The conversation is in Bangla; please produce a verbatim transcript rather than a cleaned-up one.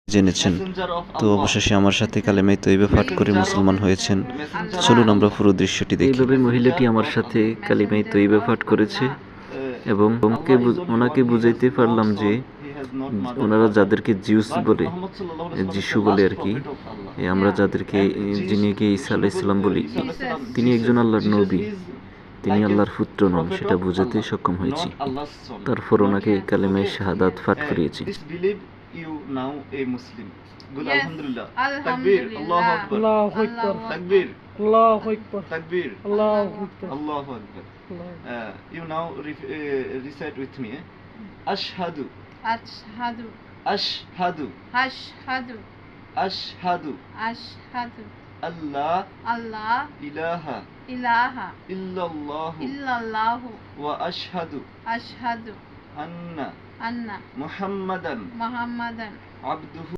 জেনেছেন। তো অবশেষে আমার সাথে কালেমায়ে তৈয়বা পাঠ করে মুসলমান হয়েছেন। চলুন আমরা পুরো দৃশ্যটি দেখি। এইভাবে মহিলাটি আমার সাথে কালেমায়ে তৈয়বা পাঠ করেছে এবং ওনাকে ওনাকে বুঝাইতে পারলাম যে ওনারা যাদেরকে জিউস বলে, যিশু বলে আর কি, আমরা যাদেরকে যিনিকে ঈসা আলাইহিস সালাম বলি, তিনি একজন আল্লাহর নবী, তিনি আল্লাহর পুত্র নন, সেটা বুঝাতে সক্ষম হয়েছি। তারপর ওনাকে কালেমায়ে শাহাদাত পাঠ করিয়েছি। You now a Muslim. Good. Yes. Alhamdulillah. Alhamdulillah. Takbir. Allahu Akbar. Allahu Akbar. Takbir. Allahu Akbar. Takbir. Allahu Akbar. Allahu Akbar. Uh, you now re- uh, recite with me. Eh? Ashhadu. Ashhadu. Ashhadu. Ashhadu. Ashhadu. Ashhadu. Allah. Allah. Ilaha. Ilaha. Illallah. Illallahu. Wa ashhadu. Ashhadu. Anna. Anna. Muhammadan. Muhammadan. Abduhu.